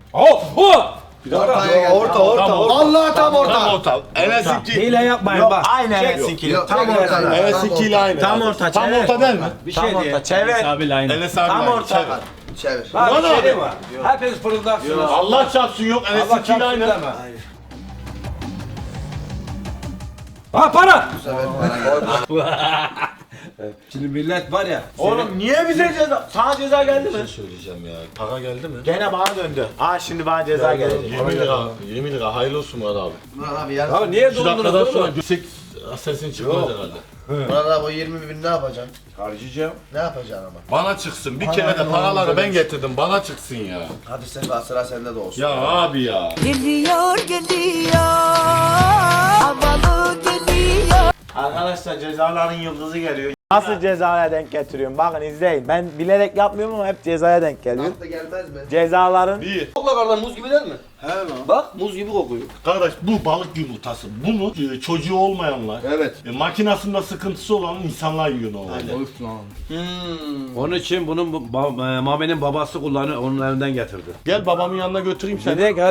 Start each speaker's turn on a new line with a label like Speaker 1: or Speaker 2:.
Speaker 1: Orta.
Speaker 2: Allah tam orta.
Speaker 3: Tam orta. Enes'inki.
Speaker 4: Hile yapmayın
Speaker 3: Yok,
Speaker 4: bak.
Speaker 3: aynı Enes'inki.
Speaker 2: Tam orta.
Speaker 3: Enes'inkiyle aynı.
Speaker 4: Tam orta.
Speaker 3: Tam
Speaker 4: çevir.
Speaker 3: orta değil mi?
Speaker 4: Bir
Speaker 3: Tam
Speaker 4: şey
Speaker 3: orta.
Speaker 4: diye.
Speaker 3: Çevir.
Speaker 4: Enes abiyle aynı.
Speaker 3: Enes abi
Speaker 4: Tam
Speaker 3: aynı.
Speaker 4: orta.
Speaker 3: Çevir.
Speaker 2: Çevir.
Speaker 4: Bak
Speaker 3: Bana
Speaker 4: bir şey
Speaker 3: abi.
Speaker 4: diyeyim mi? Hepiniz fırıldaksınız.
Speaker 3: Allah çarpsın yok.
Speaker 4: Allah
Speaker 3: Enes'inkiyle
Speaker 4: çarpsın
Speaker 3: aynı.
Speaker 4: deme. Ha para! Şimdi millet var ya.
Speaker 3: Oğlum niye bize ceza? Sana ceza geldi mi?
Speaker 5: Söyleyeceğim ya. Para geldi mi?
Speaker 3: Gene bana döndü. Şimdi bana ceza geldi.
Speaker 5: 20 lira. Hayırlı olsun Murat abi.
Speaker 2: Murat abi yarın.
Speaker 4: Abi niye
Speaker 5: 2
Speaker 4: dondunuz
Speaker 5: dakikadan sonra
Speaker 4: oğlum?
Speaker 5: göksek sesin çıkmaz herhalde.
Speaker 2: Murat abi o 20 bin ne yapacaksın?
Speaker 4: Harcayacağım.
Speaker 2: Ne yapacaksın ama?
Speaker 5: Bana çıksın. Bir kere de paraları ben getirdim. Bana çıksın ya.
Speaker 2: Hadi sen sıra sende de olsun.
Speaker 5: Ya abi ya.
Speaker 6: Geliyor havalı geliyor.
Speaker 3: Arkadaşlar cezaların yıldızı geliyor. Nasıl cezaya denk getiriyorum? Bakın izleyin. Ben bilerek yapmıyorum ama hep cezaya denk geliyor.
Speaker 2: Aklı gelmez mi?
Speaker 3: Cezaların
Speaker 4: Kokla kardeşim muz gibi değil mi?
Speaker 5: He lan.
Speaker 4: Bak muz gibi kokuyor.
Speaker 5: Kardeş bu balık yumurtası. Bunu çocuğu olmayanlar,
Speaker 2: Evet.
Speaker 5: makinasında sıkıntısı olan insanlar yiyor normalde.
Speaker 4: Onun için bunun Mami'nin babası kullanıyor, onun evinden getirdi.
Speaker 5: Gel babamın yanına götüreyim seni.
Speaker 4: Direkt